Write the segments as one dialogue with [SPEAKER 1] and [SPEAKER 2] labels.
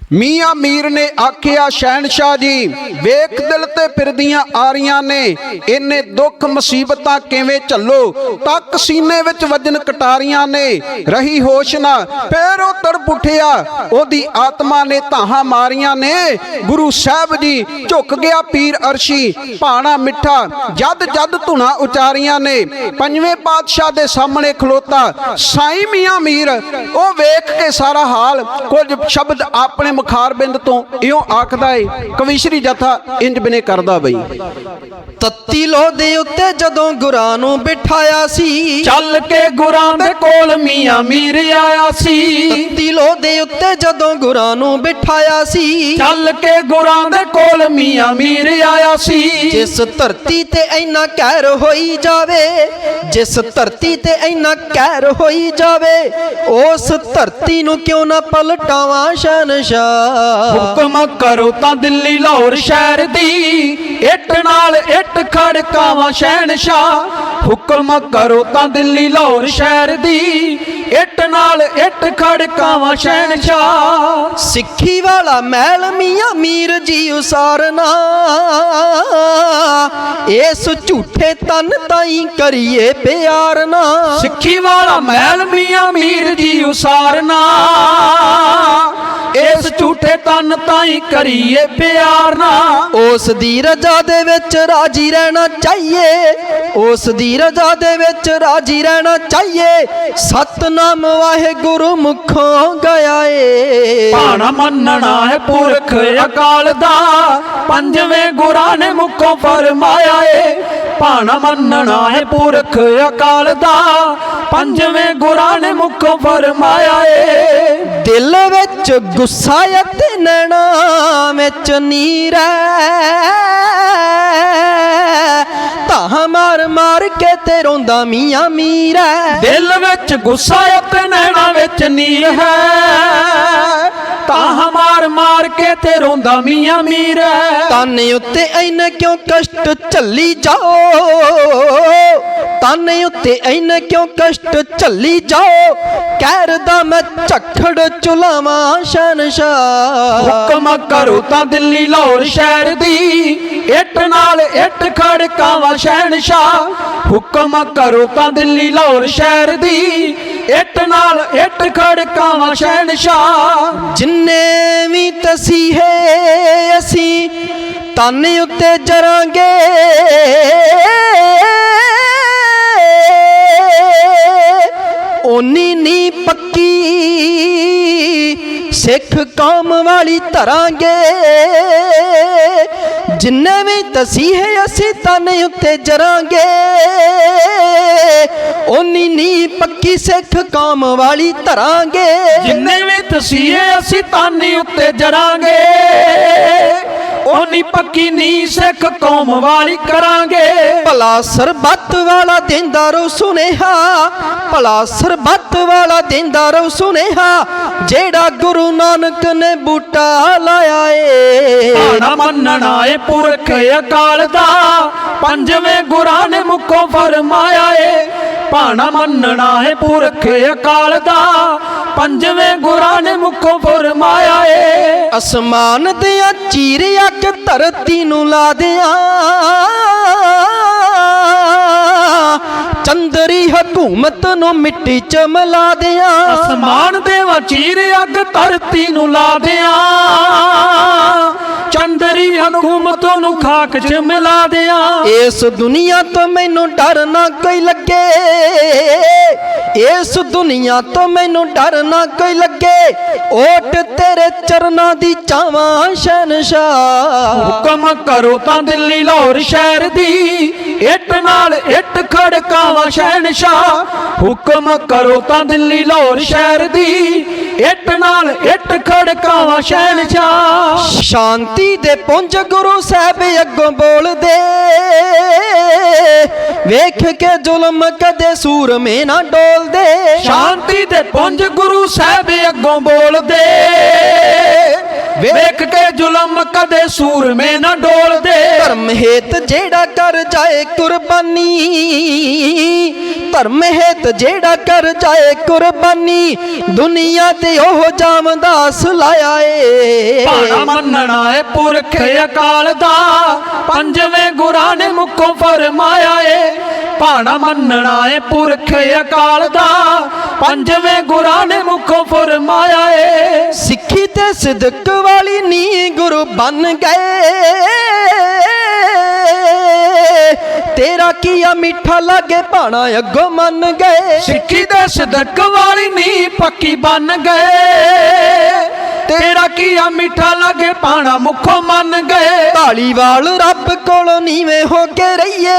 [SPEAKER 1] ਮੀਆਂ ਮੀਰ ਨੇ ਆਖਿਆ ਸ਼ਹਿਨशाह जी ਵੇਖ ਦਿਲ ਤੇ ਫਿਰਦੀਆਂ ਆਰੀਆਂ ਨੇ ਇੰਨੇ ਦੁੱਖ ਮੁਸੀਬਤਾਂ ਕਿਵੇਂ ਝੱਲੋ ਤੱਕ ਸੀਨੇ ਵਿੱਚ ਵਜਨ ਕਟਾਰੀਆਂ ਨੇ ਰਹੀ ਹੋਸ਼ ਨਾ ਫੇਰ ਉਹ ਤੜਪ ਉੱਠਿਆ ਉਹਦੀ ਆਤਮਾ ਨੇ ਧਾਹਾਂ ਮਾਰੀਆਂ ਨੇ ਗੁਰੂ ਸਾਹਿਬ ਜੀ ਝੁਕ ਗਿਆ ਪੀਰ ਅਰਸ਼ੀ ਭਾਣਾ ਮਿੱਠਾ ਜਦ ਜਦ ਧੁਨਾ ਉਚਾਰੀਆਂ ਨੇ ਪੰਜਵੇਂ ਪਾਤਸ਼ਾਹ ਦੇ ਸਾਹਮਣੇ ਖਲੋਤਾ ਸਾਈਂ ਮੀਆਂ ਮੀਰ ਉਹ ਵੇਖ ਕੇ ਸਾਰਾ ਹਾਲ ਕੁਝ ਸ਼ਬਦ ਆਪਣੇ ਮੁਖਾਰਬਿੰਦ ਤੋਂ ਇਉਂ ਆਖਦਾ ਏ ਕਵੀਸ਼ਰੀ ਜਥਾ ਇੰਜ ਬਿਨੇ ਕਰਦਾ ਬਈ।
[SPEAKER 2] ਤੱਤੀ ਲੋਹ ਦੇ ਉੱਤੇ ਜਦੋਂ ਗੁਰਾਂ ਨੂੰ ਬਿਠਾਇਆ ਸੀ
[SPEAKER 1] ਚੱਲ ਕੇ ਗੁਰਾਂ ਦੇ ਕੋਲ ਮੀਆਂ ਮੀਰ ਆਇਆ ਸੀ।
[SPEAKER 2] ਤੱਤੀ ਲੋਹ ਦੇ ਉੱਤੇ ਜਦੋਂ ਗੁਰਾਂ ਨੂੰ ਬਿਠਾਇਆ ਸੀ
[SPEAKER 1] ਚੱਲ ਕੇ ਗੁਰਾਂ ਦੇ ਕੋਲ ਮੀਆਂ ਮੀਰ ਆਇਆ ਸੀ।
[SPEAKER 2] ਜਿਸ ਧਰਤੀ ਤੇ ਇੰਨਾ ਕਹਿਰ ਹੋਈ ਜਾਵੇ ਜਿਸ ਧਰਤੀ ਤੇ ਇੰਨਾ ਕਹਿਰ ਹੋਈ ਜਾਵੇ ਉਸ ਧਰਤੀ ਨੂੰ ਕਿਉਂ ਨਾ ਪਲਟਾਵਾਂ ਸ਼ਹਿਨशाह।
[SPEAKER 1] ਹੁਕਮ ਕਰੋ ਤਾਂ ਦਿੱਲੀ ਲਾਹੌਰ ਸ਼ਹਿਰ ਦੀ ਇੱਟ ਨਾਲ ਇੱਟ ਖੜਕਾਵਾਂ ਸ਼ਹਿਨशाह। ਹੁਕਮ ਕਰੋ ਤਾਂ ਦਿੱਲੀ ਲਾਹੌਰ ਸ਼ਹਿਰ ਦੀ ਇੱਟ ਨਾਲ ਇੱਟ ਖੜਕਾਵਾਂ ਸ਼ਹਿਨशाह।
[SPEAKER 2] ਸਿੱਖੀ ਵਾਲਾ ਮਹਿਲ ਮੀਆਂ ਮੀਰ ਜੀ ਉਸਾਰਨਾ ਇਸ ਝੂਠੇ ਤਨ ਤਾਈਂ ਕਰੀਏ ਪਿਆਰ ਨਾ।
[SPEAKER 1] ਸਿੱਖੀ ਵਾਲਾ ਮਹਿਲ ਮੀਆਂ ਮੀਰ ਜੀ ਉਸਾਰਨਾ ਇਸ ਝੂਠੇ ਤਨ ਤਾਈਂ ਕਰੀਏ ਪਿਆਰ ਨਾ।
[SPEAKER 2] ਉਸ ਦੀ ਰਜ਼ਾ ਦੇ ਵਿੱਚ ਰਾਜੀ ਰਹਿਣਾ ਚਾਹੀਏ ਉਸ ਦੀ ਰਜ਼ਾ ਦੇ ਵਿੱਚ ਰਾਜੀ ਰਹਿਣਾ ਚਾਹੀਏ ਸਤਨਾਮ ਵਾਹਿਗੁਰੂ ਮੁਖੋਂ ਗਿਆ ਏ।
[SPEAKER 1] ਭਾਣਾ ਮੰਨਣਾ ਹੈ ਪੁਰਖ ਅਕਾਲ ਦਾ ਪੰਜਵੇਂ ਗੁਰਾਂ ਨੇ ਮੁਖੋਂ ਫਰਮਾਇਆ ਏ। ਭਾਣਾ ਮੰਨਣਾ ਹੈ ਪੁਰਖ ਅਕਾਲ ਦਾ ਪੰਜਵੇਂ ਗੁਰਾਂ ਨੇ ਮੁਖੋਂ ਫਰਮਾਇਆ ਏ।
[SPEAKER 2] ਦਿਲ ਵਿੱਚ ਗੁੱਸਾ ਅਤੇ ਨੈਣਾ ਵਿੱਚ ਨੀਰ ਤਾਂ ਮਾਰ ਮਾਰ ਕੇ ਤੇ ਰੋਂਦਾ ਮੀਆਂ ਮੀਰ।
[SPEAKER 1] ਦਿਲ ਵਿੱਚ ਗੁੱਸਾ ਅਤੇ ਨੈਣਾ ਵਿੱਚ ਨੀਰ ਹੈ ਤਾਂ ਮਾਰ ਮਾਰ ਕੇ ਤੇ ਰੋਂਦਾ ਮੀਆਂ ਮੀਰ।
[SPEAKER 2] ਤਨ ਉੱਤੇ ਐਨ ਕਿਉਂ ਕਸ਼ਟ ਝੱਲੀ ਜਾਓ ਤਨ ਉੱਤੇ ਐਨ ਕਿਉਂ ਕਸ਼ਟ ਝੱਲੀ ਜਾਓ ਕਹਿਰ ਦਾ ਮੈਂ ਝੱਖੜ ਚੁਲਾਵਾਂ ਸ਼ਹਿਨशाह।
[SPEAKER 1] ਹੁਕਮ ਕਰੋ ਤਾਂ ਦਿੱਲੀ ਲਾਹੌਰ ਸ਼ਹਿਰ ਦੀ ਇੱਟ ਨਾਲ ਇੱਟ ਖੜਕਾਵਾਂ ਸ਼ਹਿਨशाह। ਹੁਕਮ ਕਰੋ ਤਾਂ ਦਿੱਲੀ ਲਾਹੌਰ ਸ਼ਹਿਰ ਦੀ ਇੱਟ ਨਾਲ ਇੱਟ ਖੜਕਾਵਾਂ ਸ਼ਹਿਨशाह।
[SPEAKER 2] ਜਿੰਨੇ ਵੀ ਤਸੀਹੇ ਅਸੀਂ ਤਨ ਉੱਤੇ ਜਰਾਂਗੇ ਓਨੀ ਨੀ ਪੱਕੀ ਸਿੱਖ ਕੌਮ ਵਾਲੀ ਧਰਾਂਗੇ। ਜਿੰਨੇ ਵੀ ਤਸੀਹੇ ਅਸੀਂ ਤਨ ਉੱਤੇ ਜਰਾਂਗੇ ਓਨੀ ਨੀ ਪੱਕੀ ਸਿੱਖ ਕੌਮ ਵਾਲੀ ਧਰਾਂਗੇ।
[SPEAKER 1] ਜਿੰਨੇ ਵੀ ਤਸੀਹੇ ਅਸੀਂ ਤਨ ਉੱਤੇ ਜਰਾਂਗੇ ਓਨੀ ਪੱਕੀ ਨੀ ਸਿੱਖ ਕੌਮ ਵਾਲੀ ਕਰਾਂਗੇ।
[SPEAKER 2] ਭਲਾ ਸਰਬੱਤ ਵਾਲਾ ਦਿੰਦਾ ਰੋ ਸੁਨੇਹਾ ਭਲਾ ਸਰਬੱਤ ਵਾਲਾ ਦਿੰਦਾ ਰੋ ਸੁਨੇਹਾ ਜਿਹੜਾ ਗੁਰੂ ਨਾਨਕ ਨੇ ਬੂਟਾ ਲਾਇਆ ਏ।
[SPEAKER 1] ਭਾਣਾ ਮੰਨਣਾ ਏ ਪੁਰਖ ਅਕਾਲ ਦਾ ਪੰਜਵੇਂ ਗੁਰਾਂ ਨੇ ਮੁਖੋਂ ਫਰਮਾਇਆ ਏ। ਭਾਣਾ ਮੰਨਣਾ ਏ ਪੁਰਖ ਅਕਾਲ ਦਾ ਪੰਜਵੇਂ ਗੁਰਾਂ ਨੇ ਮੁਖੋਂ ਫਰਮਾਇਆ ਏ।
[SPEAKER 2] ਅਸਮਾਨ ਦੀਆਂ ਚੀਰ ਅੱਗ ਧਰਤੀ ਨੂੰ ਲਾ ਦਿਆਂ ਚੰਦਰੀ ਹਕੂਮਤ ਨੂੰ ਮਿੱਟੀ ਚ ਮਿਲਾ ਦਿਆਂ।
[SPEAKER 1] ਅਸਮਾਨ ਦੇ ਵਚੀਰ ਅੱਗ ਧਰਤੀ ਨੂੰ ਲਾ ਦਿਆਂ ਚੰਦਰੀ ਹਕੂਮਤ ਨੂੰ ਖਾਕ ਚ ਮਿਲਾ ਦਿਆਂ।
[SPEAKER 2] ਇਸ ਦੁਨੀਆ ਤੋਂ ਮੈਨੂੰ ਡਰ ਨਾ ਕੋਈ ਲੱਗੇ ਇਸ ਦੁਨੀਆ ਤੋਂ ਮੈਨੂੰ ਡਰ ਨਾ ਕੋਈ ਲੱਗੇ ਓਟ ਤੇਰੇ ਚਰਨਾਂ ਦੀ ਚਾਵਾਂ ਸ਼ਹਿਨशाह।
[SPEAKER 1] ਹੁਕਮ ਕਰੋ ਤਾਂ ਦਿੱਲੀ ਲਾਹੌਰ ਸ਼ਹਿਰ ਦੀ ਇੱਟ ਨਾਲ ਇੱਟ ਖੜਕਾਵਾਂ ਸ਼ਹਿਨशाह। ਹੁਕਮ ਕਰੋ ਤਾਂ ਦਿੱਲੀ ਲਾਹੌਰ ਸ਼ਹਿਰ ਦੀ ਇੱਟ ਨਾਲ ਇੱਟ ਖੜਕਾਵਾਂ ਸ਼ਹਿਨशाह।
[SPEAKER 2] ਸ਼ਾਂਤੀ ਦੇ ਪੁੰਜ ਗੁਰੂ ਸਾਹਿਬ ਅੱਗੋਂ ਬੋਲਦੇ ਵੇਖ ਕੇ ਜ਼ੁਲਮ ਕਦੇ ਸੂਰਮੇ ਨਾ ਡੋਲਦੇ।
[SPEAKER 1] ਸ਼ਾਂਤੀ ਦੇ ਪੁੰਜ ਗੁਰੂ ਸਾਹਿਬ ਅੱਗੋਂ ਬੋਲਦੇ ਵੇਖ ਕੇ ਜ਼ੁਲਮ ਕਦੇ ਸੂਰਮੇ ਨਾ ਡੋਲਦੇ।
[SPEAKER 2] ਧਰਮ ਹੇਤ ਜਿਹੜਾ ਕਰ ਜਾਏ ਕੁਰਬਾਨੀ, ਧਰਮ ਹੇਤ ਜਿਹੜਾ ਕਰ ਜਾਏ ਕੁਰਬਾਨੀ, ਦੁਨੀਆ ਤੇ ਉਹ ਜਾਮਦਾਸ ਲਾਇਆ ਏ।
[SPEAKER 1] ਭਾਣਾ ਮੰਨਣਾ ਏ ਪੁਰਖ ਅਕਾਲ ਦਾ, ਪੰਜਵੇਂ ਗੁਰਾਂ ਨੇ ਮੁਖੋਂ ਫਰਮਾਇਆ ਏ। ਭਾਣਾ ਮੰਨਣਾ ਏ ਪੁਰਖ ਅਕਾਲ ਦਾ, ਪੰਜਵੇਂ ਗੁਰਾਂ ਨੇ ਮੁਖੋਂ ਫਰਮਾਇਆ ਏ।
[SPEAKER 2] ਸਿੱਖੀ ਤੇ ਸਿਦਕ ਵਾਲੀ ਨੀ ਗੁਰੂ ਬਣ ਗਏ, ਤੇਰਾ ਕੀਆ ਮਿੱਠਾ ਲਾਗੇ ਭਾਣਾ ਅੱਗੋਂ ਮੰਨ ਗਏ।
[SPEAKER 1] ਸਿੱਖੀ ਦੇ ਸਿਦਕ ਵਾਲੀ ਨੀ ਪੱਕੀ ਬਣ ਗਏ, ਤੇਰਾ ਕੀਆ ਮਿੱਠਾ ਲਾਗੇ ਭਾਣਾ ਮੁਖੋਂ ਮੰਨ ਗਏ।
[SPEAKER 2] ਧਾਲੀਵਾਲ ਰੱਬ ਕੋਲੋਂ ਨੀਵੇਂ ਹੋ ਕੇ ਰਹੀਏ,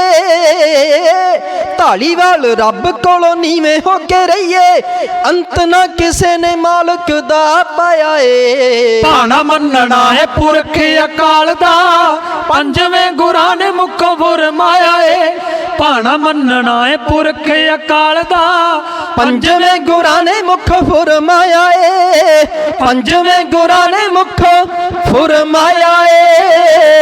[SPEAKER 2] ਧਾਲੀਵਾਲ ਰੱਬ ਕੋਲੋਂ ਨੀਵੇਂ ਹੋ ਕੇ ਰਹੀਏ, ਅੰਤ ਨਾ ਕਿਸੇ ਨੇ ਮਾਲਕ ਦਾ ਪਾਇਆ ਏ।
[SPEAKER 1] ਭਾਣਾ ਮੰਨਣਾ ਏ ਪੁਰਖ ਅਕਾਲ ਦਾ, ਪੰਜਵੇਂ ਗੁਰਾਂ ਨੇ ਮੁਖੋਂ ਫਰਮਾਇਆ ਏ। ਭਾਣਾ ਮੰਨਣਾ ਏ ਪੁਰਖ ਅਕਾਲ ਦਾ,
[SPEAKER 2] ਪੰਜਵੇਂ ਗੁਰਾਂ ਨੇ ਮੁਖ ਫਰਮਾਇਆ ਏ, ਪੰਜਵੇਂ ਗੁਰਾਂ ਨੇ ਮੁਖ ਫਰਮਾਇਆ ਏ।